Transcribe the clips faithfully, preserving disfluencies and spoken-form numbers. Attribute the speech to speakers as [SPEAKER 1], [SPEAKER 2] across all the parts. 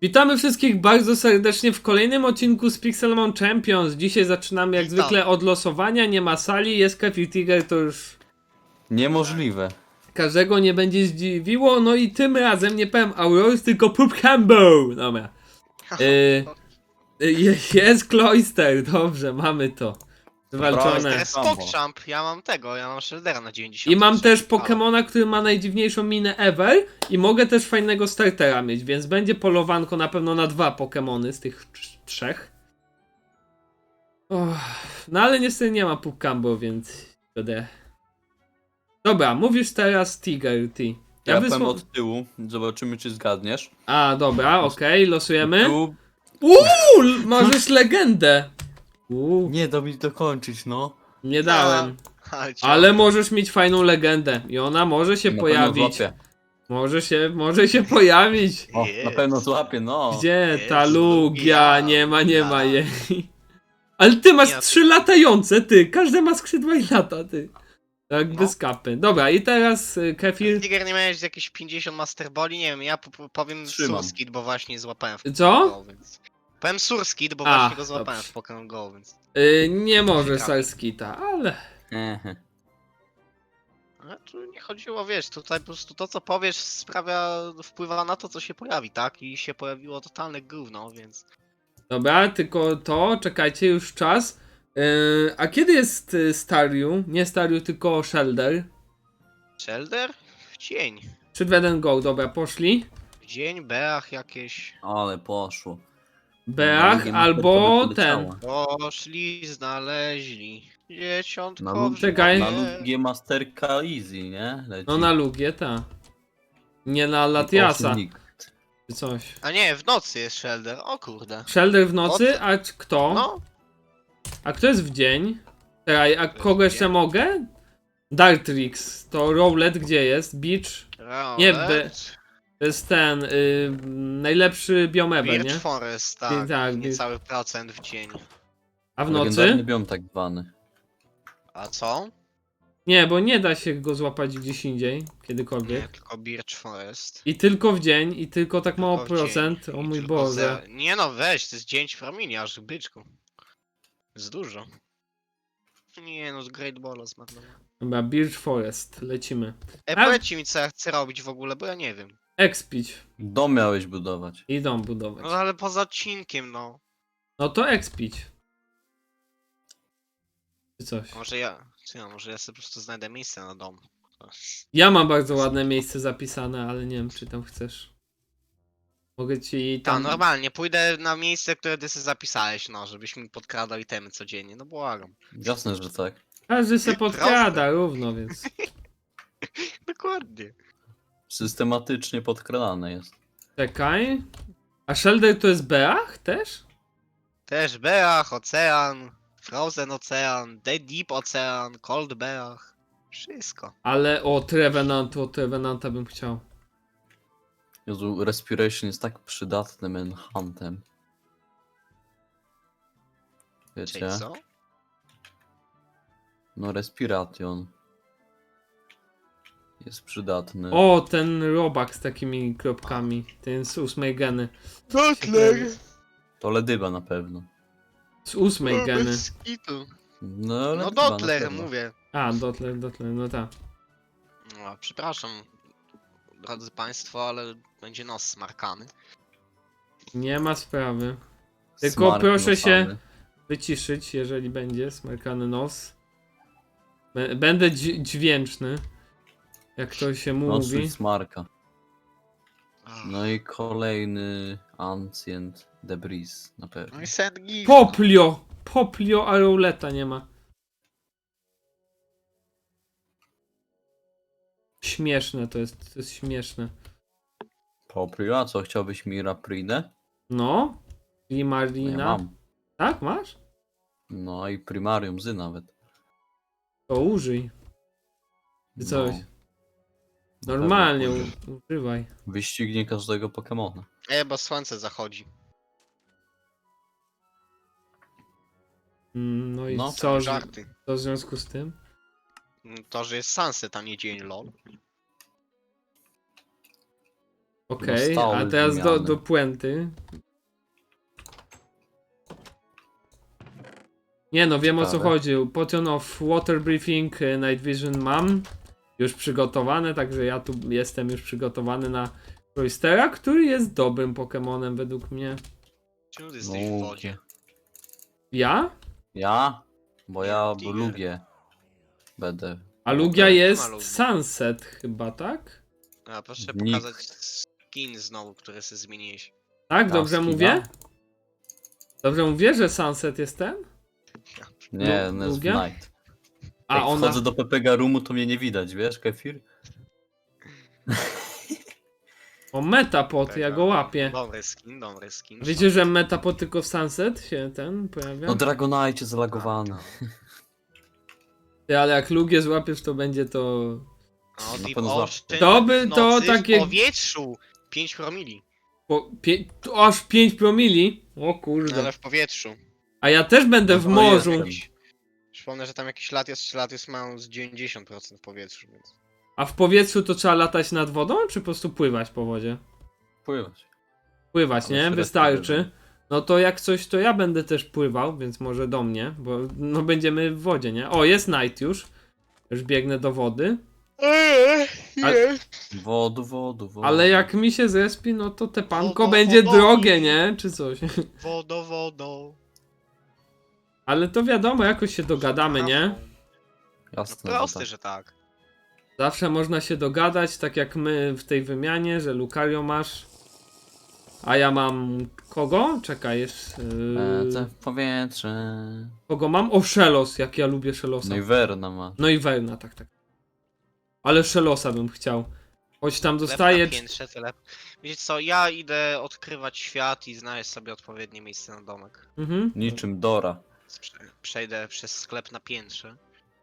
[SPEAKER 1] Witamy wszystkich bardzo serdecznie w kolejnym odcinku z Pixelmon Champions. Dzisiaj zaczynamy jak
[SPEAKER 2] Witam.
[SPEAKER 1] zwykle od losowania, nie ma sali, jest Kefir Tiger, to już
[SPEAKER 3] Niemożliwe.
[SPEAKER 1] każdego nie będzie zdziwiło. No i tym razem nie powiem Aurorus, tylko Pup Cambo. Dobra. Y, y, jest Cloyster, dobrze, mamy to. Zwalczone.
[SPEAKER 2] To jest PogChamp, ja mam tego, ja mam Sheldera na dziewięćdziesiąt.
[SPEAKER 1] I mam też Pokemona, który ma najdziwniejszą minę ever i mogę też fajnego startera mieć, więc będzie polowanko na pewno na dwa Pokemony z tych trz- trzech. Och, no ale niestety nie ma Pukambo, więc będę. Dobra, mówisz teraz Tiger, ty.
[SPEAKER 3] Ja
[SPEAKER 1] wysła-
[SPEAKER 3] powiem od tyłu, zobaczymy czy zgadniesz.
[SPEAKER 1] A, dobra, okej, losujemy.
[SPEAKER 3] Tu...
[SPEAKER 1] Uuu, możesz legendę. Uuu,
[SPEAKER 3] Nie da mi dokończyć, no.
[SPEAKER 1] nie dałem.
[SPEAKER 2] Ale,
[SPEAKER 1] Ale możesz mieć fajną legendę i ona może się
[SPEAKER 3] Na
[SPEAKER 1] pojawić.
[SPEAKER 3] pewno złapię.
[SPEAKER 1] Może się, może się pojawić.
[SPEAKER 3] O,
[SPEAKER 2] Jest.
[SPEAKER 3] na pewno złapię, no.
[SPEAKER 1] Gdzie
[SPEAKER 2] Jest
[SPEAKER 1] ta Lugia?
[SPEAKER 2] Lugia.
[SPEAKER 1] Nie ma, nie ma
[SPEAKER 2] Ja.
[SPEAKER 1] jej. Ale ty masz
[SPEAKER 2] Ja-
[SPEAKER 1] trzy latające, ty. Każdy ma skrzydła i lata, ty. Tak
[SPEAKER 2] No.
[SPEAKER 1] bez kapy. Dobra, i teraz y, Kefir.
[SPEAKER 2] Tiger, nie miałeś jakieś pięćdziesiąt Master Balli? Nie wiem, ja po- po- powiem
[SPEAKER 3] Trzymam.
[SPEAKER 2] Surskid, bo właśnie złapałem w
[SPEAKER 1] Co?
[SPEAKER 2] Pokémon Go, więc... Powiem Surskid, bo
[SPEAKER 1] A,
[SPEAKER 2] właśnie go złapałem
[SPEAKER 1] dobrze.
[SPEAKER 2] w Pokémon Go, więc...
[SPEAKER 1] Y, nie może
[SPEAKER 2] Ciekawe.
[SPEAKER 1] Salskita, ale.
[SPEAKER 3] Ehe.
[SPEAKER 2] Ale tu nie chodziło, wiesz, tutaj po prostu to co powiesz sprawia, wpływa na to co się pojawi, tak? I się pojawiło totalne gówno, więc...
[SPEAKER 1] Dobra, tylko to, czekajcie, już czas. Y, a kiedy jest y, Staryu? Nie Staryu, tylko Shelder.
[SPEAKER 2] Shelder? W dzień.
[SPEAKER 1] trzy, dwa, jeden, go. Dobra, poszli.
[SPEAKER 2] W dzień, Beach jakieś...
[SPEAKER 3] Ale poszło.
[SPEAKER 1] Beach
[SPEAKER 3] Drugie
[SPEAKER 1] albo
[SPEAKER 3] masterko by
[SPEAKER 1] ten.
[SPEAKER 3] poleciało.
[SPEAKER 2] Poszli, znaleźli. Dzieciątko
[SPEAKER 3] Na,
[SPEAKER 2] w
[SPEAKER 3] lub...
[SPEAKER 1] Czekaj.
[SPEAKER 3] na
[SPEAKER 2] żółwie.
[SPEAKER 3] lugie masterka easy, nie? Leci.
[SPEAKER 1] No na Lugię, ta. Nie na
[SPEAKER 3] I
[SPEAKER 1] Latiasa,
[SPEAKER 3] osiem nikt.
[SPEAKER 1] czy coś.
[SPEAKER 2] A nie, w nocy jest Shelder, o kurde.
[SPEAKER 1] Shelder w nocy, a c- kto?
[SPEAKER 2] No,
[SPEAKER 1] A kto jest w dzień? Czekaj, a
[SPEAKER 2] jest
[SPEAKER 1] kogo
[SPEAKER 2] w
[SPEAKER 1] jeszcze
[SPEAKER 2] dzień.
[SPEAKER 1] mogę? Dartrix, to Rowlet gdzie jest? Beach? Nie,
[SPEAKER 2] Rowlet,
[SPEAKER 1] be- To jest ten, y, najlepszy biom ever,
[SPEAKER 2] Birch
[SPEAKER 1] nie?
[SPEAKER 2] Forest, tak,
[SPEAKER 1] tak,
[SPEAKER 2] niecały procent w dzień.
[SPEAKER 1] A w
[SPEAKER 3] Legendarny
[SPEAKER 1] nocy?
[SPEAKER 3] biom tak zwany.
[SPEAKER 2] A co?
[SPEAKER 1] Nie, bo nie da się go złapać gdzieś indziej,
[SPEAKER 2] Nie,
[SPEAKER 1] kiedykolwiek.
[SPEAKER 2] tylko Birch Forest.
[SPEAKER 1] I tylko w dzień, i tylko tak mało
[SPEAKER 2] Tylko w dzień.
[SPEAKER 1] procent, o
[SPEAKER 2] I
[SPEAKER 1] mój
[SPEAKER 2] tylko
[SPEAKER 1] Boże.
[SPEAKER 2] zero. Nie no, weź, to jest dzień w promienie, aż byczku. Jest dużo. Nie no, z Great Balla zmarnowałem.
[SPEAKER 1] Dobra, Birch Forest, lecimy.
[SPEAKER 2] E,
[SPEAKER 1] A-
[SPEAKER 2] powiedzcie mi co ja chcę robić w ogóle, bo ja nie wiem.
[SPEAKER 1] Expić.
[SPEAKER 3] Dom miałeś budować.
[SPEAKER 1] I dom budować.
[SPEAKER 2] No ale poza odcinkiem, no.
[SPEAKER 1] No to expić. Czy coś.
[SPEAKER 2] Może ja, czy ja, może ja sobie po prostu znajdę miejsce na dom.
[SPEAKER 1] Ja mam bardzo ładne miejsce zapisane, ale nie wiem, czy tam chcesz. Mogę ci
[SPEAKER 2] Tam,
[SPEAKER 1] tam.
[SPEAKER 2] normalnie, pójdę na miejsce, które ty sobie zapisałeś, no, żebyś mi podkradał itemy codziennie, no błagam.
[SPEAKER 3] Jasne, że tak.
[SPEAKER 1] Każdy se
[SPEAKER 2] Proste.
[SPEAKER 1] podkrada równo, więc.
[SPEAKER 2] Dokładnie.
[SPEAKER 3] Systematycznie podkradane jest.
[SPEAKER 1] Czekaj. A Shelder to jest Beach też?
[SPEAKER 2] Też Beach, Ocean, Frozen Ocean, The Deep Ocean, Cold Beach. Wszystko.
[SPEAKER 1] Ale o Trevenant, o Trevenanta bym chciał.
[SPEAKER 3] Jezu, Respiration jest tak przydatnym enhantem. Wiecie?
[SPEAKER 2] Czyli co?
[SPEAKER 3] No Respiration. Jest przydatny.
[SPEAKER 1] O, ten robak z takimi kropkami. Ten z ósmej geny.
[SPEAKER 2] Butler!
[SPEAKER 3] To Ledyba na pewno.
[SPEAKER 1] Z ósmej geny.
[SPEAKER 2] Bez kitu.
[SPEAKER 3] No,
[SPEAKER 2] No
[SPEAKER 3] Ledyba na
[SPEAKER 2] Dotler,
[SPEAKER 3] pewno.
[SPEAKER 2] mówię.
[SPEAKER 1] A, Dotler, Dotler, no tak.
[SPEAKER 2] No, przepraszam, drodzy państwo, ale będzie nos smarkany.
[SPEAKER 1] Nie ma sprawy. Tylko
[SPEAKER 3] Smark
[SPEAKER 1] proszę się
[SPEAKER 3] nosany.
[SPEAKER 1] wyciszyć, jeżeli będzie smarkany nos. Bę- Będę dź- dźwięczny. Jak to się
[SPEAKER 3] Nosuj
[SPEAKER 1] mówi.
[SPEAKER 3] smarka.
[SPEAKER 2] Ach.
[SPEAKER 3] No i kolejny Ancient Debris na pewno.
[SPEAKER 2] No i Sand Gift.
[SPEAKER 1] Poplio! Poplio, a Rowleta nie ma. Śmieszne to jest, to jest śmieszne.
[SPEAKER 3] Poprio, a co, chciałbyś mi Rapridę?
[SPEAKER 1] No?
[SPEAKER 3] No
[SPEAKER 1] Limarina.
[SPEAKER 3] ja mam.
[SPEAKER 1] Tak, masz?
[SPEAKER 3] No i Primarium Zy nawet.
[SPEAKER 1] To użyj. Czy coś.
[SPEAKER 3] No.
[SPEAKER 1] Normalnie
[SPEAKER 3] Na pewno
[SPEAKER 1] u-
[SPEAKER 3] pójdę.
[SPEAKER 1] używaj.
[SPEAKER 3] Wyścignie każdego Pokemona.
[SPEAKER 2] E, bo słońce zachodzi.
[SPEAKER 1] Mm, No i
[SPEAKER 3] No,
[SPEAKER 1] co, że-
[SPEAKER 2] Żarty.
[SPEAKER 1] co w związku z tym?
[SPEAKER 2] To, że jest sunset, a nie dzień, lol.
[SPEAKER 1] Okej,
[SPEAKER 3] No, stałe
[SPEAKER 1] a teraz do,
[SPEAKER 3] zmiany.
[SPEAKER 1] do puenty. Nie no, wiem o co
[SPEAKER 3] Ciekawe.
[SPEAKER 1] chodzi. Potion of Water Breathing, e, Night Vision mam już przygotowane, także ja tu jestem już przygotowany na Cloystera, który jest dobrym Pokemonem według mnie.
[SPEAKER 2] Czemu ty jesteś w wodzie?
[SPEAKER 1] Ja?
[SPEAKER 3] Ja? Bo
[SPEAKER 2] Nie,
[SPEAKER 3] ja
[SPEAKER 2] Tiger.
[SPEAKER 3] Lugię będę.
[SPEAKER 1] A Lugia
[SPEAKER 3] Okej.
[SPEAKER 1] jest
[SPEAKER 2] Nie ma Lugi.
[SPEAKER 1] Sunset chyba, tak?
[SPEAKER 2] A proszę
[SPEAKER 3] Nick.
[SPEAKER 2] pokazać skin znowu, który sobie zmieniłeś.
[SPEAKER 1] Tak,
[SPEAKER 3] Ta
[SPEAKER 1] dobrze
[SPEAKER 3] skina?
[SPEAKER 1] mówię? Dobrze mówię, że Sunset jest ten?
[SPEAKER 3] Nie,
[SPEAKER 1] Lu-
[SPEAKER 3] no jest
[SPEAKER 1] Lugia?
[SPEAKER 3] Night.
[SPEAKER 1] A
[SPEAKER 3] Jak
[SPEAKER 1] ona...
[SPEAKER 3] wchodzę do Pepega Roomu, to mnie nie widać, wiesz, Kefir?
[SPEAKER 1] O, Metapod, ja go łapię.
[SPEAKER 2] Dobry skin, dobry skin.
[SPEAKER 1] Wiecie, że Metapod tylko w Sunset się ten pojawia?
[SPEAKER 3] No Dragonite zalagowany.
[SPEAKER 1] Ty, ale jak Lugię złapiesz, to będzie to...
[SPEAKER 2] No,
[SPEAKER 3] Na
[SPEAKER 2] Deep
[SPEAKER 3] pewno
[SPEAKER 2] Ocean
[SPEAKER 1] To by-
[SPEAKER 2] w
[SPEAKER 1] to
[SPEAKER 2] nocy
[SPEAKER 1] takie-
[SPEAKER 2] w powietrzu! pięć promili.
[SPEAKER 1] Po, pie... to aż pięć promili? O
[SPEAKER 2] No,
[SPEAKER 1] kurde.
[SPEAKER 2] ale w powietrzu.
[SPEAKER 1] A ja też będę w
[SPEAKER 3] No,
[SPEAKER 1] morzu.
[SPEAKER 3] jestem.
[SPEAKER 2] Przypomnę, że tam jakiś lat jest, lat jest mają z dziewięćdziesiąt procent w powietrzu, więc...
[SPEAKER 1] A w powietrzu to trzeba latać nad wodą, czy po prostu pływać po wodzie?
[SPEAKER 3] Pływać.
[SPEAKER 1] Pływać,
[SPEAKER 3] Ale
[SPEAKER 1] nie?
[SPEAKER 3] średnio
[SPEAKER 1] Wystarczy.
[SPEAKER 3] pływam.
[SPEAKER 1] No to jak coś, to ja będę też pływał, więc może do mnie, bo no będziemy w wodzie, nie? O, jest night już. Już biegnę do wody.
[SPEAKER 2] Eee,
[SPEAKER 1] Ale-
[SPEAKER 3] Wodu, wodu, wodu.
[SPEAKER 1] Ale jak mi się zespi, no to te panko
[SPEAKER 2] Wodo,
[SPEAKER 1] będzie
[SPEAKER 2] wodo.
[SPEAKER 1] drogie, nie? Czy coś.
[SPEAKER 2] Wodo, wodo.
[SPEAKER 1] Ale to wiadomo, jakoś się dogadamy, nie?
[SPEAKER 2] No
[SPEAKER 3] Jasne, że
[SPEAKER 2] proste,
[SPEAKER 3] tak.
[SPEAKER 2] że tak.
[SPEAKER 1] Zawsze można się dogadać, tak jak my w tej wymianie, że Lucario masz, a ja mam kogo? Czekaj, jest...
[SPEAKER 3] Lecę
[SPEAKER 1] Yy...
[SPEAKER 3] w powietrze.
[SPEAKER 1] Kogo mam? O, Szelos, jak ja lubię Szelosa.
[SPEAKER 3] No i Verna ma.
[SPEAKER 1] No i Werna, tak, tak. Ale Szelosa bym chciał. Choć tam
[SPEAKER 2] Chleb
[SPEAKER 1] dostaję...
[SPEAKER 2] na piętrze, tyle. Wiecie co, ja idę odkrywać świat i znaleźć sobie odpowiednie miejsce na domek.
[SPEAKER 1] Mhm.
[SPEAKER 3] Niczym Dora.
[SPEAKER 2] Prze- Przejdę przez sklep na piętrze.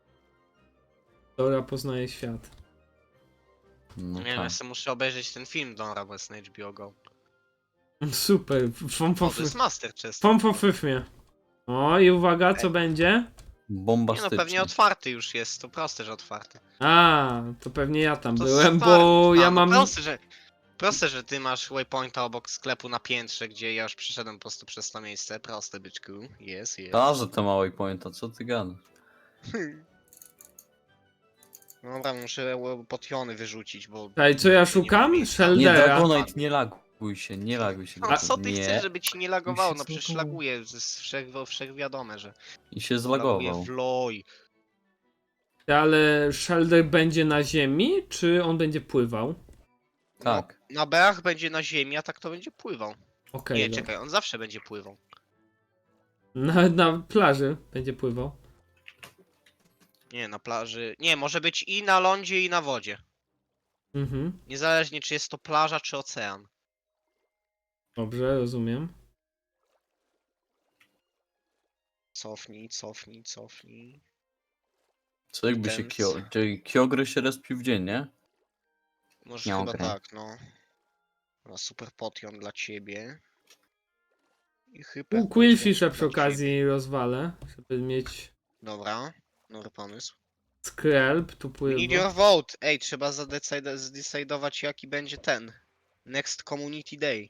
[SPEAKER 1] Dora poznaje świat.
[SPEAKER 3] No
[SPEAKER 2] Nie wiem,
[SPEAKER 3] tak.
[SPEAKER 2] ja sobie muszę obejrzeć ten film Dora, bo jest na H B O Go.
[SPEAKER 1] Super, fom
[SPEAKER 2] O,
[SPEAKER 1] po
[SPEAKER 2] to jest Master Chest.
[SPEAKER 1] Fom po fyfmie. O, i uwaga, co będzie?
[SPEAKER 2] Nie
[SPEAKER 3] Bombastycznie.
[SPEAKER 2] no, pewnie otwarty już jest, to proste, że otwarty.
[SPEAKER 1] A, to pewnie ja tam
[SPEAKER 2] To
[SPEAKER 1] byłem,
[SPEAKER 2] stary,
[SPEAKER 1] bo
[SPEAKER 2] a,
[SPEAKER 1] ja
[SPEAKER 2] no
[SPEAKER 1] mam...
[SPEAKER 2] Proste, że, proste, że ty masz waypointa obok sklepu na piętrze, gdzie ja już przyszedłem po prostu przez to miejsce. Proste, byczku. Jest, jest.
[SPEAKER 3] Ta, że to małej pointa, co ty gadasz?
[SPEAKER 2] No dobra, muszę e, potiony wyrzucić, bo...
[SPEAKER 1] Czekaj, co ja szukam?
[SPEAKER 3] Nie,
[SPEAKER 1] Sheldera.
[SPEAKER 3] Dragonite, nie laguj się, nie laguj się.
[SPEAKER 2] No
[SPEAKER 3] Dragon.
[SPEAKER 2] co ty
[SPEAKER 3] nie.
[SPEAKER 2] chcesz, żeby ci nie lagowało?
[SPEAKER 3] się
[SPEAKER 2] No przecież
[SPEAKER 3] zlagowało.
[SPEAKER 2] laguje, to jest wszech, wszechwiadome, że
[SPEAKER 3] I się
[SPEAKER 2] laguje
[SPEAKER 3] zlagował.
[SPEAKER 2] w loj.
[SPEAKER 1] Ale Shelder będzie na ziemi, czy on będzie pływał?
[SPEAKER 3] Tak.
[SPEAKER 2] No, na beach będzie na ziemi, a tak to będzie pływał.
[SPEAKER 1] Okej,
[SPEAKER 2] Nie,
[SPEAKER 1] no.
[SPEAKER 2] czekaj, on zawsze będzie pływał.
[SPEAKER 1] Na, na plaży będzie pływał.
[SPEAKER 2] Nie, na plaży... Nie, może być i na lądzie, i na wodzie.
[SPEAKER 1] Mhm.
[SPEAKER 2] Niezależnie czy jest to plaża, czy ocean.
[SPEAKER 1] Dobrze, rozumiem.
[SPEAKER 2] Cofnij, cofnij, cofnij.
[SPEAKER 3] Co jakby się
[SPEAKER 2] Ten-
[SPEAKER 3] Kyo... Czyli Kyogre się respił w dzień, nie?
[SPEAKER 2] Może
[SPEAKER 3] Nie
[SPEAKER 2] chyba
[SPEAKER 3] okej.
[SPEAKER 2] tak, no. Dobra, super potion dla ciebie. I hyper
[SPEAKER 1] U Quillfisha
[SPEAKER 2] potion
[SPEAKER 1] przy
[SPEAKER 2] dla
[SPEAKER 1] okazji rozwalę, żeby mieć
[SPEAKER 2] ciebie. Dobra, dobry pomysł.
[SPEAKER 1] Skrelp, tu
[SPEAKER 2] Need
[SPEAKER 1] pływa.
[SPEAKER 2] your vote! Ej, trzeba zadecyd- zdecydować jaki będzie ten. Next Community Day.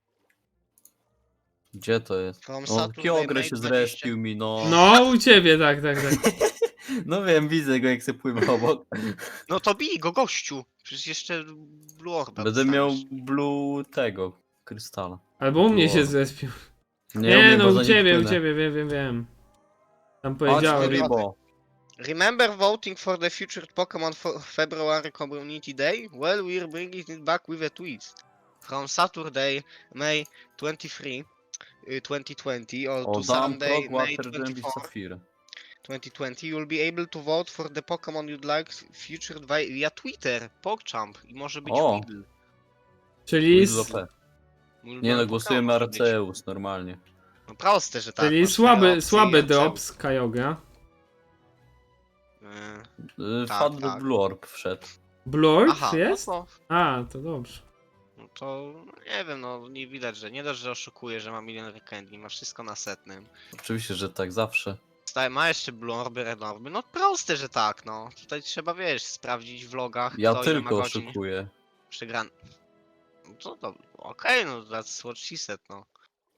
[SPEAKER 3] Gdzie to jest?
[SPEAKER 2] From
[SPEAKER 3] O,
[SPEAKER 2] Saturday,
[SPEAKER 3] Kyogre
[SPEAKER 2] May
[SPEAKER 3] się
[SPEAKER 2] dwudziestego.
[SPEAKER 3] zrespił mi, no.
[SPEAKER 1] No, u ciebie, tak, tak, tak.
[SPEAKER 3] No wiem, widzę go jak se pływa obok.
[SPEAKER 2] No to bij go, gościu! Przecież jeszcze Blue Orba
[SPEAKER 3] Będę miał
[SPEAKER 2] dostaniesz.
[SPEAKER 3] blue tego, krystala.
[SPEAKER 1] Albo u mnie się
[SPEAKER 3] Wow.
[SPEAKER 1] zrespił.
[SPEAKER 3] Nie,
[SPEAKER 1] Nie,
[SPEAKER 3] umiem,
[SPEAKER 1] no
[SPEAKER 3] bo za
[SPEAKER 1] u
[SPEAKER 3] nim
[SPEAKER 1] ciebie, u
[SPEAKER 3] płynę.
[SPEAKER 1] ciebie, wiem, wiem, wiem. Tam
[SPEAKER 3] Chodź,
[SPEAKER 1] powiedziałem.
[SPEAKER 2] Furibo.
[SPEAKER 3] Furibo.
[SPEAKER 2] Remember voting for the featured Pokemon for February Community Day? Well, we're bringing it back with a twist. From Saturday, May twenty-third, uh, twenty twenty, or
[SPEAKER 3] O,
[SPEAKER 2] to
[SPEAKER 3] dam
[SPEAKER 2] Sunday,
[SPEAKER 3] prog,
[SPEAKER 2] May
[SPEAKER 3] water, gem i
[SPEAKER 2] twenty-fourth,
[SPEAKER 3] safir.
[SPEAKER 2] twenty twenty, you'll be able to vote for the Pokemon you'd like featured by, via Twitter, PogChamp i może być
[SPEAKER 3] O.
[SPEAKER 2] Weedle.
[SPEAKER 1] Czyli,
[SPEAKER 3] Widzę
[SPEAKER 1] s-
[SPEAKER 3] P.
[SPEAKER 2] Ulubiony
[SPEAKER 3] Nie no,
[SPEAKER 2] Pokemon
[SPEAKER 3] głosujemy
[SPEAKER 2] może być.
[SPEAKER 3] Arceus normalnie.
[SPEAKER 2] No proste, że tak.
[SPEAKER 1] czyli
[SPEAKER 2] masz
[SPEAKER 1] słaby,
[SPEAKER 2] dwie opcje
[SPEAKER 1] słaby
[SPEAKER 2] i
[SPEAKER 1] drop
[SPEAKER 2] Arceus.
[SPEAKER 1] z Kyogre.
[SPEAKER 2] Yy,
[SPEAKER 3] Y,
[SPEAKER 2] Tak,
[SPEAKER 3] Wpadł
[SPEAKER 2] tak.
[SPEAKER 3] Blue Orb wszedł.
[SPEAKER 1] Blur
[SPEAKER 2] Aha,
[SPEAKER 1] jest?
[SPEAKER 2] no to,
[SPEAKER 1] A, to dobrze.
[SPEAKER 2] no to nie wiem, no nie widać, że nie dość, że oszukuje, że ma milion rekendli, ma wszystko na setnym.
[SPEAKER 3] Oczywiście, że tak zawsze.
[SPEAKER 2] Staje, ma jeszcze Blue Orby, Red Orby, no proste, że tak, no. Tutaj trzeba, wiesz, sprawdzić w logach,
[SPEAKER 3] Ja
[SPEAKER 2] kto ile ma
[SPEAKER 3] tylko
[SPEAKER 2] godzin
[SPEAKER 3] oszukuję.
[SPEAKER 2] przegran... No to dobrze. Okej, no that's what she said, no.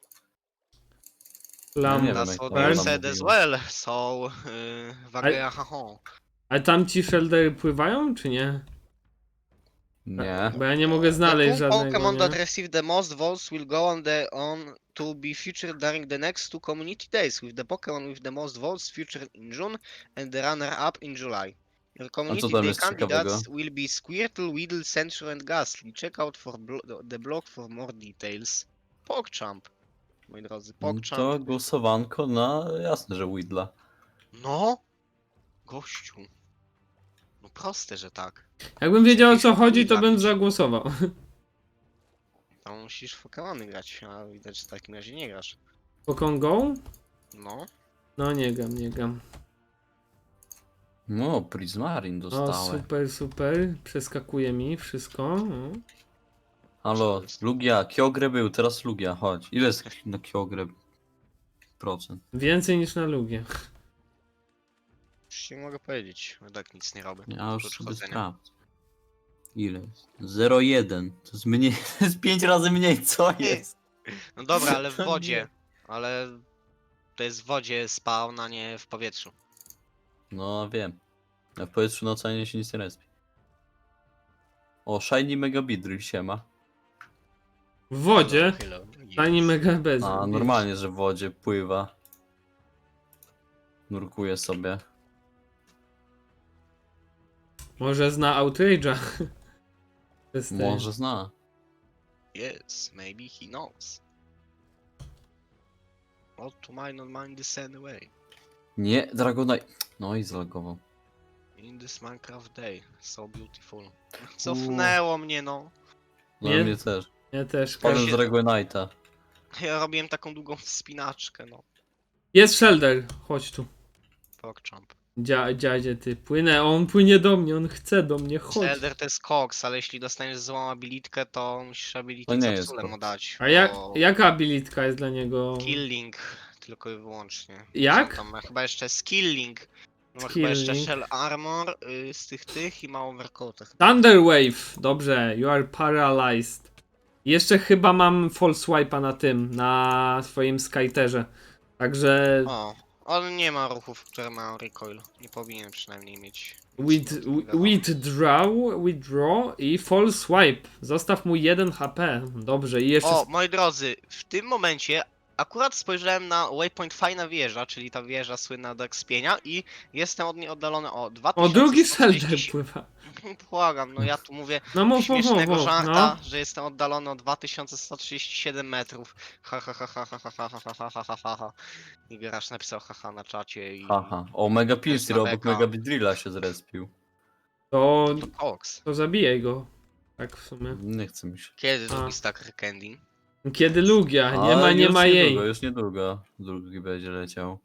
[SPEAKER 1] Lam.
[SPEAKER 3] nie wiem,
[SPEAKER 2] That's
[SPEAKER 3] jak
[SPEAKER 2] what
[SPEAKER 3] to
[SPEAKER 2] I
[SPEAKER 3] ona
[SPEAKER 2] said as
[SPEAKER 3] mówiła.
[SPEAKER 2] well, so... Yy, Wagea haho.
[SPEAKER 1] A tam ci sheldery pływają, czy nie?
[SPEAKER 3] Nie.
[SPEAKER 1] Bo ja nie mogę
[SPEAKER 2] The
[SPEAKER 1] znaleźć
[SPEAKER 2] two
[SPEAKER 1] żadnego,
[SPEAKER 2] Pokemon that
[SPEAKER 1] nie?
[SPEAKER 2] receive the most votes will go on the on to be featured during the next two community days, with the Pokemon with the most votes featured in June and the runner-up in July. Your community
[SPEAKER 3] tam
[SPEAKER 2] day
[SPEAKER 3] jest ciekawego?
[SPEAKER 2] candidates will be Squirtle, Weedle, Sentry and Ghastly. Check out for blo the blog for more details. PogChamp, moi drodzy,
[SPEAKER 3] No
[SPEAKER 2] PogChamp.
[SPEAKER 3] to głosowanko na jasne, że Widla.
[SPEAKER 2] No, gościu. No proste, że tak.
[SPEAKER 1] Jakbym wiedział o co
[SPEAKER 2] pięćdziesiąt
[SPEAKER 1] chodzi, to bym
[SPEAKER 2] zabić.
[SPEAKER 1] zagłosował.
[SPEAKER 2] Tam musisz w Pokemony grać, a widać, że w takim razie nie grasz.
[SPEAKER 1] Pokemon Go?
[SPEAKER 2] No.
[SPEAKER 1] No nie gam, nie gam.
[SPEAKER 3] No, Prismarin
[SPEAKER 1] O,
[SPEAKER 3] dostałem.
[SPEAKER 1] super, super. Przeskakuje mi wszystko. O.
[SPEAKER 3] Halo, Lugia, Kyogre był, teraz Lugia, chodź. Ile jest na Kyogre procent?
[SPEAKER 1] Więcej niż na Lugie.
[SPEAKER 2] Już nie mogę powiedzieć, bo tak nic nie robię.
[SPEAKER 3] Ja już
[SPEAKER 2] oprócz
[SPEAKER 3] sobie
[SPEAKER 2] chodzenia.
[SPEAKER 3] sprawdzę. Ile jest? zero przecinek jeden. To jest mniej, to jest pięć razy mniej, co jest?
[SPEAKER 2] No dobra, ale w
[SPEAKER 3] To
[SPEAKER 2] wodzie. Ale to jest w wodzie spawn, a nie w powietrzu.
[SPEAKER 3] No wiem. A w powietrzu na oceanie się nic nie respi. O, Shiny Mega Beedrill siema.
[SPEAKER 1] W wodzie?
[SPEAKER 2] Hello, hello.
[SPEAKER 1] Tani mega bez.
[SPEAKER 3] A normalnie, że w wodzie pływa. Nurkuje sobie.
[SPEAKER 1] Może zna Outrage'a. To jest ten-
[SPEAKER 3] Może zna.
[SPEAKER 2] Yes, maybe he knows. What to mine on mine this anyway.
[SPEAKER 3] Nie, Dragonite. No i zalogował.
[SPEAKER 2] In this Minecraft day, so beautiful. Cofnęło mnie, no.
[SPEAKER 3] No
[SPEAKER 1] Nie?
[SPEAKER 3] mnie też.
[SPEAKER 1] Ja też.
[SPEAKER 3] Spadłem
[SPEAKER 2] się-
[SPEAKER 3] z Dragonite'a.
[SPEAKER 2] Ja robiłem taką długą wspinaczkę, no.
[SPEAKER 1] Jest Shelder. Chodź tu.
[SPEAKER 2] PogChamp.
[SPEAKER 1] Dzia, dziadzie ty. Płynę. On płynie do mnie. On chce do mnie. Chodź.
[SPEAKER 2] Shader to jest koks, ale jeśli dostaniesz złą abilitkę, to musisz
[SPEAKER 3] To
[SPEAKER 2] abilitę
[SPEAKER 3] nie jest
[SPEAKER 2] capsulę mu
[SPEAKER 3] koks.
[SPEAKER 2] dać.
[SPEAKER 1] A jak,
[SPEAKER 2] bo
[SPEAKER 1] jaka abilitka jest dla niego?
[SPEAKER 2] Killing tylko i wyłącznie.
[SPEAKER 1] Jak?
[SPEAKER 2] Tam ma chyba jeszcze skilling. Ma chyba jeszcze
[SPEAKER 1] Skilling.
[SPEAKER 2] shell armor y, z tych tych i ma overcoat.
[SPEAKER 1] Thunder Wave. Dobrze. You are paralyzed. Jeszcze chyba mam false swipe'a na tym. Na swoim Skyterze. Także...
[SPEAKER 2] O, on nie ma ruchów, które mają recoil. Nie powinien przynajmniej mieć.
[SPEAKER 1] With,
[SPEAKER 2] Nic nie odbywa.
[SPEAKER 1] withdraw, withdraw i false swipe. Zostaw mu jeden H P. Dobrze. I jeszcze...
[SPEAKER 2] O, moi drodzy, w tym momencie akurat spojrzałem na waypoint fajna wieża, czyli ta wieża słynna do ekspienia i jestem od niej oddalony o dwa
[SPEAKER 1] O,
[SPEAKER 2] tysiące
[SPEAKER 1] drugi
[SPEAKER 2] sto
[SPEAKER 1] Shelder
[SPEAKER 2] trzydzieści.
[SPEAKER 1] pływa.
[SPEAKER 2] Błagam, no ja tu mówię
[SPEAKER 1] No mów, mów, mów,
[SPEAKER 2] śmiesznego
[SPEAKER 1] mów.
[SPEAKER 2] żarta,
[SPEAKER 1] No.
[SPEAKER 2] że jestem oddalony o dwa tysiące sto trzydzieści siedem metrów. Ha ha ha ha ha ha ha ha ha ha ha ha ha. I grasz napisał haha na czacie i...
[SPEAKER 3] Haha. O, Mega
[SPEAKER 2] Też
[SPEAKER 3] Pinsir
[SPEAKER 2] na
[SPEAKER 3] obok
[SPEAKER 2] beka.
[SPEAKER 3] Mega Beedrilla się zrespił.
[SPEAKER 1] To,
[SPEAKER 2] To koks.
[SPEAKER 1] to zabijaj go. Tak w sumie.
[SPEAKER 3] Nie chce mi się.
[SPEAKER 2] Kiedy
[SPEAKER 1] A.
[SPEAKER 2] drugi stack candy?
[SPEAKER 1] Kiedy Lugia? Nie
[SPEAKER 3] A,
[SPEAKER 1] ma, nie
[SPEAKER 3] już
[SPEAKER 1] ma jej.
[SPEAKER 3] Niedługo, już niedługo drugi będzie leciał.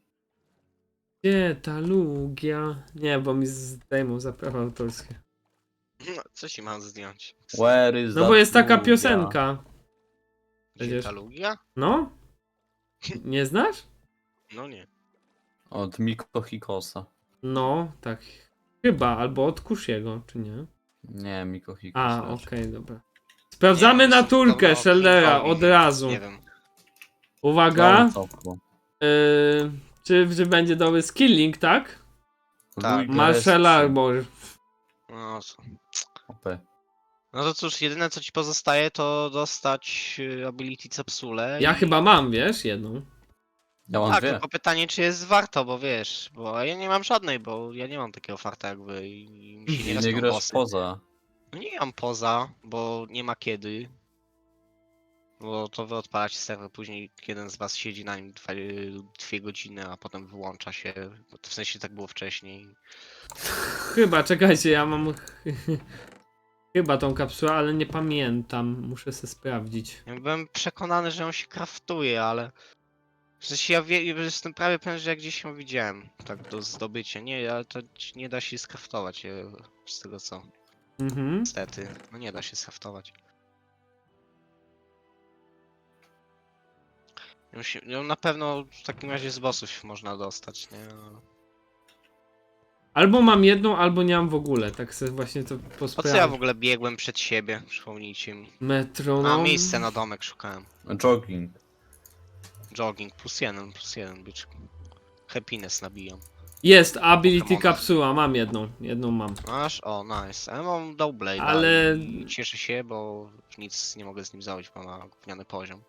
[SPEAKER 1] Gdzie ta Lugia? Nie, bo mi zdejmą za prawa autorskie.
[SPEAKER 2] No, co ci mam zdjąć?
[SPEAKER 3] Where is
[SPEAKER 1] No bo
[SPEAKER 3] that
[SPEAKER 1] jest taka
[SPEAKER 3] Lugia?
[SPEAKER 1] piosenka.
[SPEAKER 2] Przecież... Lugia?
[SPEAKER 1] No? Nie znasz?
[SPEAKER 2] No nie.
[SPEAKER 3] Od Miko Hikosa.
[SPEAKER 1] No, tak. Chyba, albo od Kushiego, czy nie?
[SPEAKER 3] Nie, Miko Hikos.
[SPEAKER 1] A,
[SPEAKER 3] też.
[SPEAKER 1] okej, dobra. Sprawdzamy
[SPEAKER 2] Nie,
[SPEAKER 1] naturkę
[SPEAKER 2] dobra,
[SPEAKER 1] Sheldera
[SPEAKER 2] Kingowi.
[SPEAKER 1] od razu.
[SPEAKER 2] Nie wiem.
[SPEAKER 1] Uwaga.
[SPEAKER 3] No, cofło.
[SPEAKER 1] Yy, czy, czy będzie dobry skilling, tak?
[SPEAKER 2] Tak.
[SPEAKER 3] Luiga
[SPEAKER 1] Marshall
[SPEAKER 3] jest-
[SPEAKER 1] Arbor.
[SPEAKER 2] No co?
[SPEAKER 3] O P.
[SPEAKER 2] No to cóż, jedyne co ci pozostaje to dostać y, ability capsule.
[SPEAKER 1] Ja
[SPEAKER 2] i...
[SPEAKER 1] chyba mam, wiesz, jedną.
[SPEAKER 3] Ja mam
[SPEAKER 2] Tak,
[SPEAKER 3] dwie.
[SPEAKER 2] tylko pytanie czy jest warto, bo wiesz, bo ja nie mam żadnej, bo ja nie mam takiego farta jak wy i mi się nie
[SPEAKER 3] Nie
[SPEAKER 2] respią
[SPEAKER 3] grasz
[SPEAKER 2] bossy.
[SPEAKER 3] poza.
[SPEAKER 2] No nie mam poza, bo nie ma kiedy. Bo to wy odpalacie serwer, później jeden z was siedzi na nim dwa, dwie godziny, a potem wyłącza się. Bo to w sensie tak było wcześniej.
[SPEAKER 1] Chyba, czekajcie, ja mam chyba tą kapsułę, ale nie pamiętam. Muszę sobie sprawdzić.
[SPEAKER 2] Ja byłem przekonany, że on się kraftuje, ale... W sensie ja wie, jestem prawie pewien, że ja gdzieś ją widziałem, tak do zdobycia. Nie, ale to nie da się skraftować, e, z tego co.
[SPEAKER 1] Mhm.
[SPEAKER 2] Niestety, no nie da się skraftować. Ją się- ją na pewno w takim razie z bossów można dostać, nie? Ale-
[SPEAKER 1] Albo mam jedną, albo nie mam w ogóle. Tak sobie właśnie to
[SPEAKER 2] Po co ja w
[SPEAKER 1] posprawdzam.
[SPEAKER 2] ogóle biegłem przed siebie? Przypomnijcie mi. A,
[SPEAKER 1] Metronom.
[SPEAKER 2] miejsce na domek szukałem.
[SPEAKER 3] Jogging.
[SPEAKER 2] Jogging, plus jeden, plus jeden, byczku. Happiness nabijam.
[SPEAKER 1] Jest, ability
[SPEAKER 2] Pokemona.
[SPEAKER 1] kapsuła, mam jedną. Jedną mam.
[SPEAKER 2] Masz? O, nice. A ja mam Doublade,
[SPEAKER 1] Ale-
[SPEAKER 2] i cieszę się, bo nic nie mogę z nim zrobić, bo ma gówniany poziom.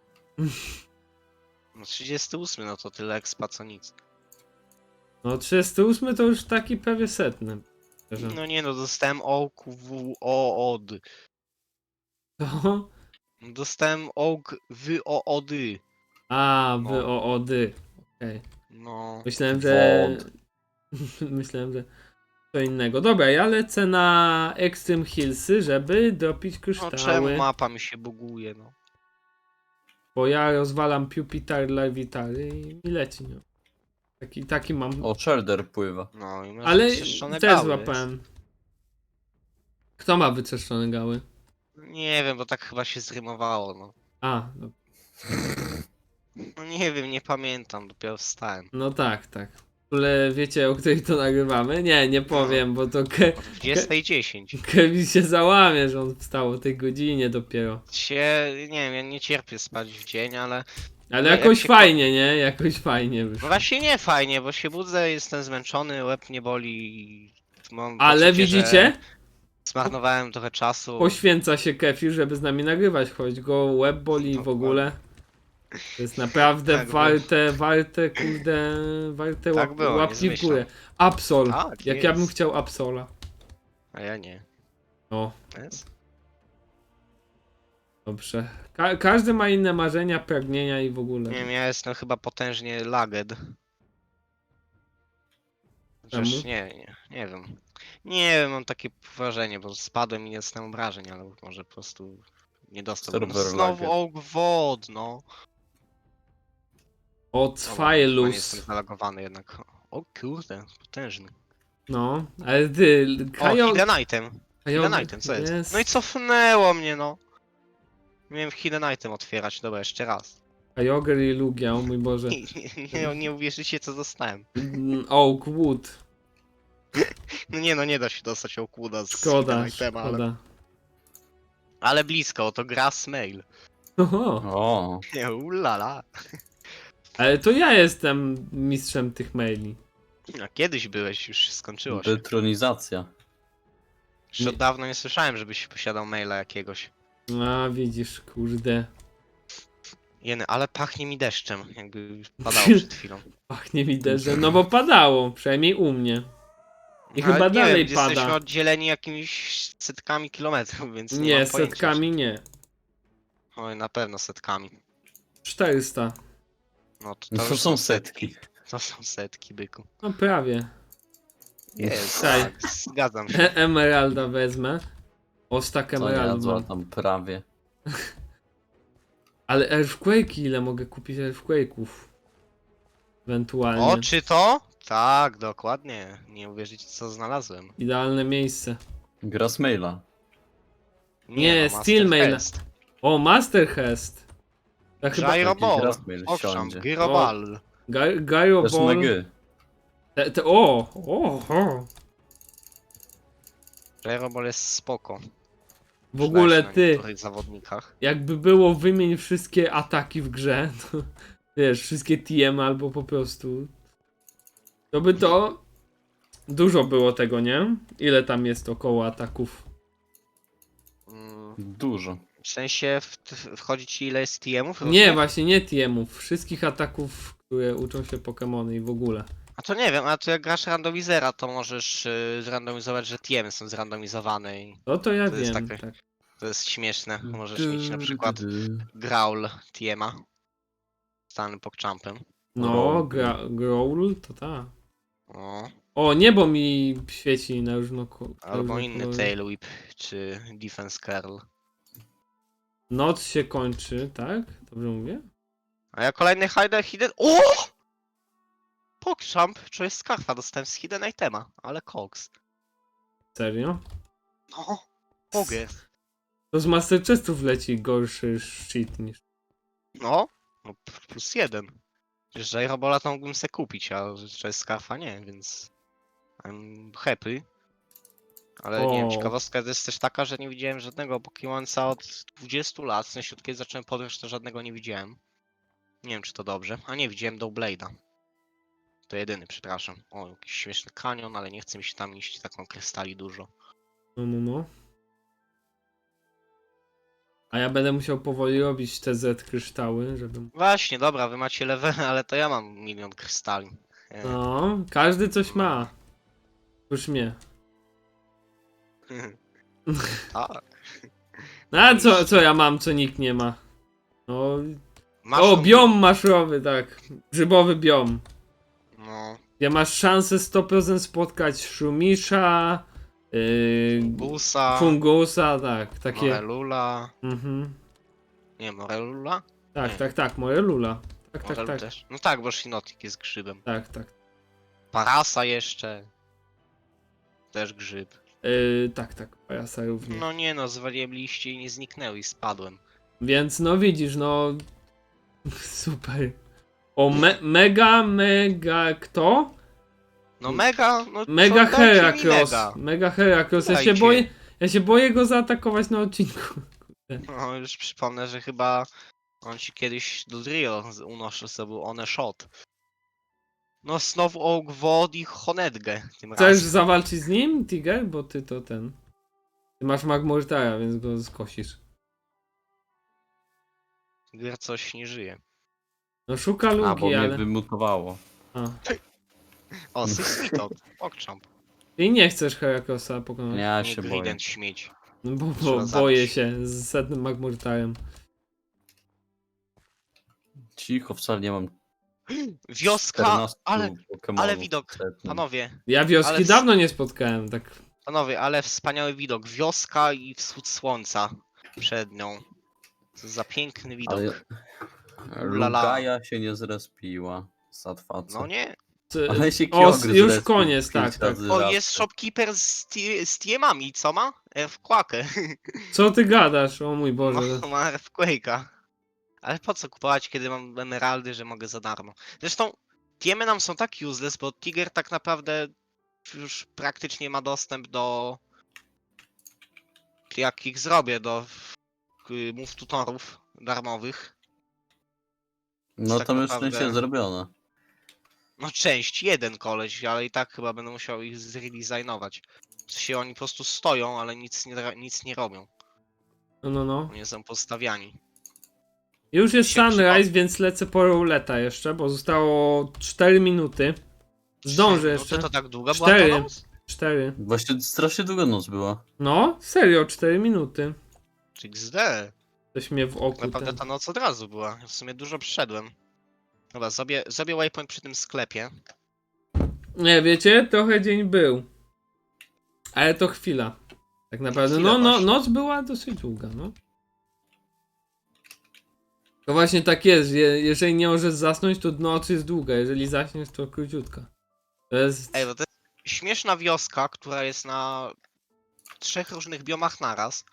[SPEAKER 2] No trzydziesty ósmy, no to tyle expa co nic.
[SPEAKER 1] No trzydziesty ósmy to już taki prawie setny. Szczerze.
[SPEAKER 2] No nie no, dostałem ołk w o od.
[SPEAKER 1] To?
[SPEAKER 2] Dostałem ołk w o ody.
[SPEAKER 1] A,
[SPEAKER 2] No.
[SPEAKER 1] wy o ody. Okej.
[SPEAKER 2] No.
[SPEAKER 1] Myślałem, że...
[SPEAKER 3] Wod.
[SPEAKER 1] Myślałem, że co innego. Dobra, ja lecę na Extreme Hillsy, żeby dropić
[SPEAKER 2] No
[SPEAKER 1] kryształy.
[SPEAKER 2] czemu mapa mi się buguje, no.
[SPEAKER 1] Bo ja rozwalam Pupitar Larvitary i mi leci, no. Taki, taki mam.
[SPEAKER 3] O, Shelder pływa.
[SPEAKER 2] No i masz
[SPEAKER 1] Ale
[SPEAKER 2] wyczyszczone
[SPEAKER 1] też
[SPEAKER 2] gały,
[SPEAKER 1] złapałem. Kto ma wyczyszczone gały?
[SPEAKER 2] jest. Nie wiem, bo tak chyba się zrymowało, no.
[SPEAKER 1] A, no,
[SPEAKER 2] No nie wiem, nie pamiętam, dopiero wstałem.
[SPEAKER 1] no tak, tak. Ale wiecie, o której to nagrywamy? Nie, nie powiem, bo to Ke
[SPEAKER 2] O dwudziestej dziesięć.
[SPEAKER 1] Kevin się załamie, że on wstał o tej godzinie dopiero.
[SPEAKER 2] Się, nie wiem, ja nie cierpię spać w dzień, ale...
[SPEAKER 1] Ale
[SPEAKER 2] No, jak
[SPEAKER 1] jakoś
[SPEAKER 2] się
[SPEAKER 1] fajnie, nie? Jakoś fajnie
[SPEAKER 2] No
[SPEAKER 1] wyszło.
[SPEAKER 2] właśnie nie fajnie, bo się budzę, jestem zmęczony, łeb mnie boli i mam
[SPEAKER 1] Ale
[SPEAKER 2] poczucie, że
[SPEAKER 1] widzicie?
[SPEAKER 2] zmarnowałem trochę czasu.
[SPEAKER 1] Poświęca się Kefir, żeby z nami nagrywać, choć go łeb boli i w ogóle. To jest naprawdę
[SPEAKER 2] Tak było.
[SPEAKER 1] warte, warte, kurde, warte
[SPEAKER 2] Tak
[SPEAKER 1] łap,
[SPEAKER 2] było, nie
[SPEAKER 1] łapki w
[SPEAKER 2] zmyślam.
[SPEAKER 1] górę. Absol.
[SPEAKER 2] Tak,
[SPEAKER 1] Jak ja bym
[SPEAKER 2] jest.
[SPEAKER 1] chciał Absola.
[SPEAKER 2] A ja nie.
[SPEAKER 1] O,
[SPEAKER 2] Jest?
[SPEAKER 1] dobrze. Ka każdy ma inne marzenia, pragnienia i w ogóle.
[SPEAKER 2] Nie wiem, ja jestem chyba potężnie lagged.
[SPEAKER 1] Czemu?
[SPEAKER 2] Przecież nie, nie, nie wiem. Nie wiem, mam takie wrażenie, bo spadłem i nie dostałem obrażeń, ale może po prostu nie dostał. No,
[SPEAKER 3] Serwer
[SPEAKER 2] znowu
[SPEAKER 3] lagged.
[SPEAKER 2] ołk wod, no.
[SPEAKER 1] Od
[SPEAKER 2] Dobra, chyba nie jestem
[SPEAKER 1] Failus.
[SPEAKER 2] zalogowany jednak. O kurde, potężny.
[SPEAKER 1] No, ale ty,
[SPEAKER 2] O,
[SPEAKER 1] Kajo...
[SPEAKER 2] hidden item.
[SPEAKER 1] Kajo...
[SPEAKER 2] Hidden item, co jest?
[SPEAKER 1] Jest.
[SPEAKER 2] No i cofnęło mnie, no. Miałem hidden item otwierać, dobra, jeszcze raz.
[SPEAKER 1] Kajoger i Lugia, o mój Boże.
[SPEAKER 2] Nie, nie, nie uwierzycie, co dostałem.
[SPEAKER 1] Mm, Oak Wood.
[SPEAKER 2] No nie, no nie da się dostać okłuda z
[SPEAKER 1] Szkoda,
[SPEAKER 2] hidden itema, ale...
[SPEAKER 1] szkoda.
[SPEAKER 2] ale blisko, to grass mail.
[SPEAKER 1] Oho.
[SPEAKER 3] O,
[SPEAKER 2] Nie, ulala.
[SPEAKER 1] Ale to ja jestem mistrzem tych maili.
[SPEAKER 2] A kiedyś byłeś, już się skończyło się.
[SPEAKER 3] detronizacja.
[SPEAKER 2] Już od dawno nie słyszałem, żebyś posiadał maila jakiegoś.
[SPEAKER 1] A widzisz, kurde.
[SPEAKER 2] Jeny, ale pachnie mi deszczem, jakby padało przed chwilą.
[SPEAKER 1] Pachnie mi deszczem, no bo padało, przynajmniej u mnie. I
[SPEAKER 2] Ale
[SPEAKER 1] chyba
[SPEAKER 2] nie
[SPEAKER 1] dalej
[SPEAKER 2] wiem,
[SPEAKER 1] pada.
[SPEAKER 2] jesteśmy oddzieleni jakimiś setkami kilometrów, więc nie,
[SPEAKER 1] Nie,
[SPEAKER 2] mam pojęcia.
[SPEAKER 1] setkami nie.
[SPEAKER 2] Oj, na pewno setkami.
[SPEAKER 1] czterysta.
[SPEAKER 2] No to,
[SPEAKER 3] No
[SPEAKER 2] to
[SPEAKER 3] to
[SPEAKER 2] już
[SPEAKER 3] są setki.
[SPEAKER 2] To są setki, byku.
[SPEAKER 1] No prawie.
[SPEAKER 2] Jest,
[SPEAKER 1] Okej.
[SPEAKER 2] tak, zgadzam się.
[SPEAKER 1] E Emeralda wezmę. O, stack
[SPEAKER 3] Co
[SPEAKER 1] emerald
[SPEAKER 3] jadła
[SPEAKER 1] mam.
[SPEAKER 3] tam prawie.
[SPEAKER 1] Ale Earthquake'i ile mogę kupić Earthquake'ów? Ewentualnie.
[SPEAKER 2] O, czy to? Tak, dokładnie. Nie uwierzycie, co znalazłem.
[SPEAKER 1] Idealne miejsce.
[SPEAKER 3] Grassmaila.
[SPEAKER 1] Nie,
[SPEAKER 2] no,
[SPEAKER 1] Steel
[SPEAKER 2] Master
[SPEAKER 1] Mail.
[SPEAKER 2] Quest.
[SPEAKER 1] O, Master Hest. To chyba
[SPEAKER 2] Gyro Ball.
[SPEAKER 3] Grassmail
[SPEAKER 2] Owszem,
[SPEAKER 3] siądzie.
[SPEAKER 2] Gyro Ball.
[SPEAKER 1] Gy- Gyro
[SPEAKER 3] Też na
[SPEAKER 1] Ball.
[SPEAKER 3] G.
[SPEAKER 1] Te, te, o, o, o.
[SPEAKER 2] Gyro Ball jest spoko.
[SPEAKER 1] W ogóle
[SPEAKER 2] Przydaje się na
[SPEAKER 1] ty,
[SPEAKER 2] niektórych zawodnikach.
[SPEAKER 1] jakby było wymień wszystkie ataki w grze, to wiesz, wszystkie T M albo po prostu. To by to dużo było tego, nie? Ile tam jest około ataków?
[SPEAKER 2] Mm,
[SPEAKER 3] Dużo.
[SPEAKER 2] w sensie w, wchodzi ci ile jest T M-ów?
[SPEAKER 1] Nie, właśnie nie T M-ów, wszystkich ataków, które uczą się Pokemony i w ogóle.
[SPEAKER 2] A to nie wiem, a to jak grasz randomizera, to możesz y, zrandomizować, że T M są zrandomizowane i
[SPEAKER 1] No to ja
[SPEAKER 2] To jest
[SPEAKER 1] wiem,
[SPEAKER 2] takie-
[SPEAKER 1] tak.
[SPEAKER 2] to jest śmieszne. Możesz mieć na przykład Growl T M-a. Stany PogChampem.
[SPEAKER 1] No,
[SPEAKER 3] Growl.
[SPEAKER 1] gra, Growl to tak.
[SPEAKER 2] O,
[SPEAKER 1] O, niebo mi świeci na różno.
[SPEAKER 2] albo inny Tail Whip, czy Defense Curl.
[SPEAKER 1] Noc się kończy, tak? Dobrze mówię?
[SPEAKER 2] A ja kolejny Hidden Hidden... O! PogChamp, czuję skarfa, dostałem z Hidden Itema, ale Cox.
[SPEAKER 1] Serio?
[SPEAKER 2] No, mogę.
[SPEAKER 1] To z Master Chestów leci gorszy shit niż.
[SPEAKER 2] No, no p- plus jeden. Przecież Gyrobola to mógłbym se kupić, a że jest skarfa nie, więc... I'm happy. Ale nie wiem,
[SPEAKER 1] O.
[SPEAKER 2] ciekawostka jest też taka, że nie widziałem żadnego Pokémonca od dwudziestu lat. W sensie od kiedy zacząłem podróż, to żadnego nie widziałem. Nie wiem, czy to dobrze. A nie, widziałem Doughblade'a. To jedyny, przepraszam. O, jakiś śmieszny kanion, ale nie chcę mi się tam iść, taką krystali dużo.
[SPEAKER 1] No, no, no. A ja będę musiał powoli robić te Z kryształy, żeby...
[SPEAKER 2] Właśnie, dobra, wy macie level, ale to ja mam milion krystali. E,
[SPEAKER 1] No, każdy coś ma. Już mnie.
[SPEAKER 2] tak.
[SPEAKER 1] No, a co, co ja mam, co nikt nie ma? No...
[SPEAKER 2] Masz
[SPEAKER 1] O,
[SPEAKER 2] tą-
[SPEAKER 1] biom maszowy, tak. Grzybowy biom.
[SPEAKER 2] No,
[SPEAKER 1] Gdzie masz szansę sto procent spotkać Shumisha, yy,
[SPEAKER 2] Busa,
[SPEAKER 1] Fungusa, tak, takie...
[SPEAKER 2] Morelula.
[SPEAKER 1] Mhm.
[SPEAKER 2] Nie, Morelula?
[SPEAKER 1] Tak,
[SPEAKER 2] Nie.
[SPEAKER 1] tak, tak, Morelula. Tak, tak,
[SPEAKER 2] Morelu
[SPEAKER 1] tak,
[SPEAKER 2] też. No tak, bo Shinotik jest grzybem.
[SPEAKER 1] tak, tak.
[SPEAKER 2] Parasa jeszcze. Też grzyb.
[SPEAKER 1] Yy, tak, tak, pajasa również.
[SPEAKER 2] No nie no, zwaliłem liście i nie zniknęły i spadłem.
[SPEAKER 1] Więc no widzisz, no... Super. O, me mega, mega kto?
[SPEAKER 2] No mega, no
[SPEAKER 1] Mega
[SPEAKER 2] co, dajcie mi
[SPEAKER 1] Heracross.
[SPEAKER 2] mega.
[SPEAKER 1] Mega Heracross. Ja się
[SPEAKER 2] Dajcie.
[SPEAKER 1] boję, ja się boję go zaatakować na odcinku.
[SPEAKER 2] No już przypomnę, że chyba on ci kiedyś do Drio unoszę sobie one shot. No znowu Oak Wod i Honedgę tym
[SPEAKER 1] Chcesz
[SPEAKER 2] razem.
[SPEAKER 1] zawalczyć z nim, Tiger? Bo ty to ten... Ty masz Magmortara, więc go skosisz.
[SPEAKER 2] Gier coś nie żyje.
[SPEAKER 1] No szuka
[SPEAKER 3] A, bo
[SPEAKER 1] luki,
[SPEAKER 3] mnie
[SPEAKER 1] ale...
[SPEAKER 3] wymutowało.
[SPEAKER 1] A.
[SPEAKER 2] O, Sysmitot, Pogchamp.
[SPEAKER 1] Ty nie chcesz Heracrossa pokonać.
[SPEAKER 3] Nie, ja
[SPEAKER 2] Nie
[SPEAKER 3] się boję.
[SPEAKER 2] Grident śmieć.
[SPEAKER 1] No bo,
[SPEAKER 2] Trzeba
[SPEAKER 1] bo
[SPEAKER 2] zabić.
[SPEAKER 1] boję się z setnym Magmortarem.
[SPEAKER 3] Cicho, wcale nie mam
[SPEAKER 2] Wioska,
[SPEAKER 3] czternastu
[SPEAKER 2] ale,
[SPEAKER 3] Pokemonów
[SPEAKER 2] ale widok,
[SPEAKER 3] setnym.
[SPEAKER 2] panowie,
[SPEAKER 1] Ja wioski
[SPEAKER 2] Ale w-
[SPEAKER 1] dawno nie spotkałem, tak...
[SPEAKER 2] panowie, ale wspaniały widok. Wioska i wschód słońca przed nią. Co za piękny widok.
[SPEAKER 3] Ale
[SPEAKER 2] Ulala.
[SPEAKER 3] Lugaja się nie zrespiła. Satwaca.
[SPEAKER 2] No nie?
[SPEAKER 1] Ty-
[SPEAKER 3] Ale się
[SPEAKER 1] O,
[SPEAKER 3] Kyogre
[SPEAKER 1] już
[SPEAKER 3] zrespił
[SPEAKER 1] koniec,
[SPEAKER 3] pięć
[SPEAKER 1] tak, tak.
[SPEAKER 3] razy
[SPEAKER 2] O,
[SPEAKER 3] raz.
[SPEAKER 2] jest shopkeeper z, tie- z tiemami, co ma? Earthquake'ę.
[SPEAKER 1] Co ty gadasz? O mój Boże.
[SPEAKER 2] No, ma Earthquake'a. Ale po co kupować, kiedy mam emeraldy, że mogę za darmo? Zresztą tiemy nam są tak useless, bo Tiger tak naprawdę już praktycznie ma dostęp do... Jak ich zrobię, do y, move tutorów darmowych.
[SPEAKER 3] No
[SPEAKER 2] tak
[SPEAKER 3] to już
[SPEAKER 2] naprawdę-
[SPEAKER 3] szczęście zrobione.
[SPEAKER 2] No część, jeden koleś, ale i tak chyba będę musiał ich zredesignować. W sensie oni po prostu stoją, ale nic nie, dra- nic nie robią.
[SPEAKER 1] No, no, no.
[SPEAKER 2] Nie są postawiani.
[SPEAKER 1] Już jest
[SPEAKER 2] Się
[SPEAKER 1] sunrise, więc lecę po rouleta jeszcze, bo zostało cztery minuty. Zdążę
[SPEAKER 2] No
[SPEAKER 1] jeszcze.
[SPEAKER 2] to, to tak długa
[SPEAKER 1] Cztery.
[SPEAKER 2] była to noc?
[SPEAKER 1] cztery.
[SPEAKER 3] Właśnie strasznie długa noc była.
[SPEAKER 1] No, serio, cztery minuty.
[SPEAKER 2] Czy X D?
[SPEAKER 1] Coś mnie w oku
[SPEAKER 2] Naprawdę
[SPEAKER 1] ten...
[SPEAKER 2] ta noc od razu była. W sumie dużo przyszedłem. Dobra, zrobię, zrobię waypoint przy tym sklepie.
[SPEAKER 1] Nie, wiecie, trochę dzień był. Ale to chwila. Tak naprawdę,
[SPEAKER 2] chwila
[SPEAKER 1] no, no,
[SPEAKER 2] właśnie.
[SPEAKER 1] noc była dosyć długa, no. To właśnie tak jest, je, jeżeli nie możesz zasnąć, to noc jest długa, jeżeli zaśniesz, to króciutka. To jest...
[SPEAKER 2] Ej, bo to jest śmieszna wioska, która jest na trzech różnych biomach naraz.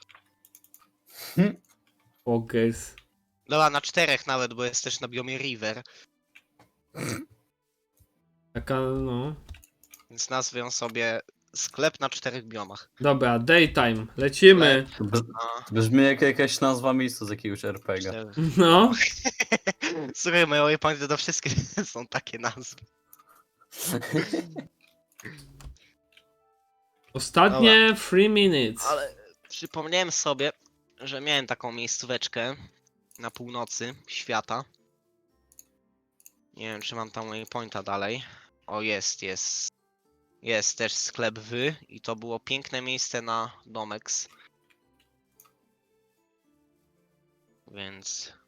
[SPEAKER 1] Pokers.
[SPEAKER 2] Dobra, na czterech nawet, bo jest też na biomie River.
[SPEAKER 1] Taka, no...
[SPEAKER 2] Więc nazwę ją sobie sklep na czterech biomach.
[SPEAKER 1] Dobra, daytime, lecimy.
[SPEAKER 3] To br-
[SPEAKER 2] A,
[SPEAKER 3] Brzmi jak jakaś nazwa miejsca z jakiegoś er pe gie.
[SPEAKER 2] cztery.
[SPEAKER 1] No,
[SPEAKER 2] Słuchaj, moje waypointy to wszystkie są takie nazwy.
[SPEAKER 1] ostatnie three minutes.
[SPEAKER 2] Ale przypomniałem sobie, że miałem taką miejscóweczkę na północy świata. Nie wiem, czy mam tam waypointa dalej. O, jest, jest. Jest też sklep wy i to było piękne miejsce na Domex. Więc...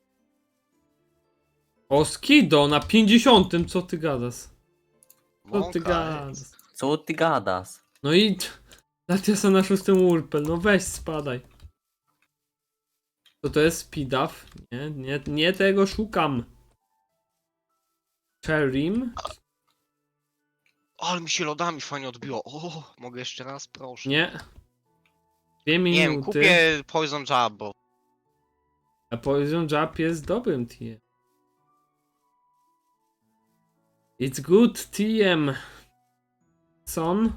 [SPEAKER 1] O, Skido na pięćdziesiątym, co ty gadasz? Co ty
[SPEAKER 2] Mąka
[SPEAKER 1] gadasz?
[SPEAKER 2] jest.
[SPEAKER 3] Co ty gadasz?
[SPEAKER 1] No i... Latiasa na szóstym Urpel, no weź spadaj. To to jest speedup? Nie, nie, nie tego szukam. Cherim?
[SPEAKER 2] O, ale mi się lodami fajnie odbiło. O, mogę jeszcze raz, proszę.
[SPEAKER 1] Nie. Dwie
[SPEAKER 2] Nie wiem,
[SPEAKER 1] minuty.
[SPEAKER 2] kupię Poison Jab, bo
[SPEAKER 1] A Poison Jab jest dobrym T M. It's good T M. Son.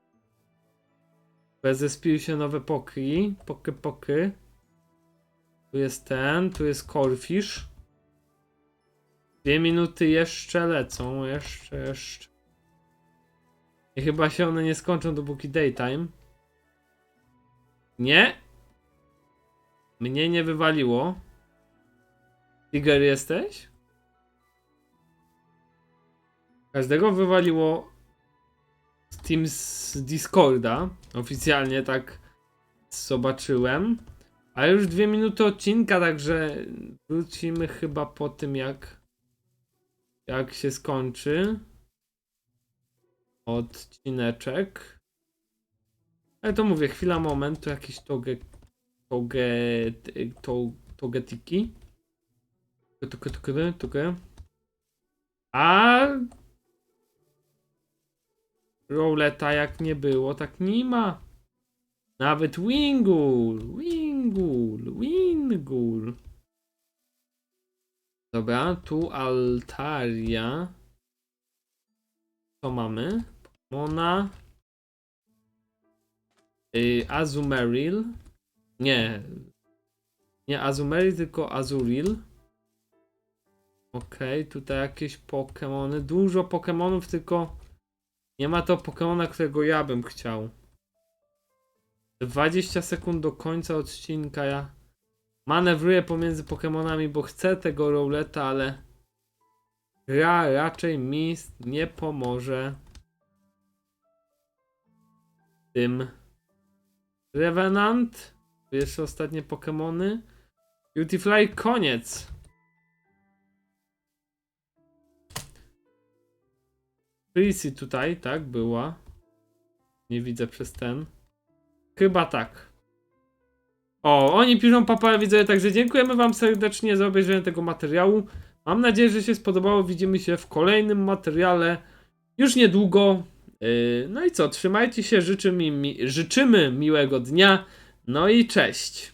[SPEAKER 1] Zespiły się nowe poki. Poky, poky. Tu jest ten, tu jest Corfish. Dwie minuty jeszcze lecą, jeszcze, jeszcze. I chyba się one nie skończą dopóki daytime. Nie. Mnie nie wywaliło. Tiger jesteś? Każdego wywaliło Steam z Discorda. Oficjalnie tak zobaczyłem. Ale już dwie minuty odcinka, także wrócimy chyba po tym jak jak się skończy odcineczek. Ale to mówię, chwila, moment, to jakieś toge toge to, togetiki. Toge, toge, toge. A rouleta jak nie było, tak nie ma. Nawet Wingul, Wingul, Wingul. Dobra, tu Altaria. Co mamy? Pokemona. Yy, Azumarill. Nie. Nie Azumarill, tylko Azuril. Okej, okay, tutaj jakieś Pokemony. Dużo Pokemonów, tylko nie ma to Pokemona, którego ja bym chciał. dwadzieścia sekund do końca odcinka. Ja manewruję pomiędzy Pokemonami, bo chcę tego rouleta, ale gra raczej mi nie pomoże tym. Revenant. Tu jeszcze ostatnie Pokemony. Beautifly, koniec. Prissy tutaj, tak, była. Nie widzę przez ten. Chyba tak. O, oni piszą papa, widzę, także dziękujemy wam serdecznie za obejrzenie tego materiału. Mam nadzieję, że się spodobało. Widzimy się w kolejnym materiale już niedługo. Yy, no i co, trzymajcie się, życzymy, mi, życzymy miłego dnia. No i cześć.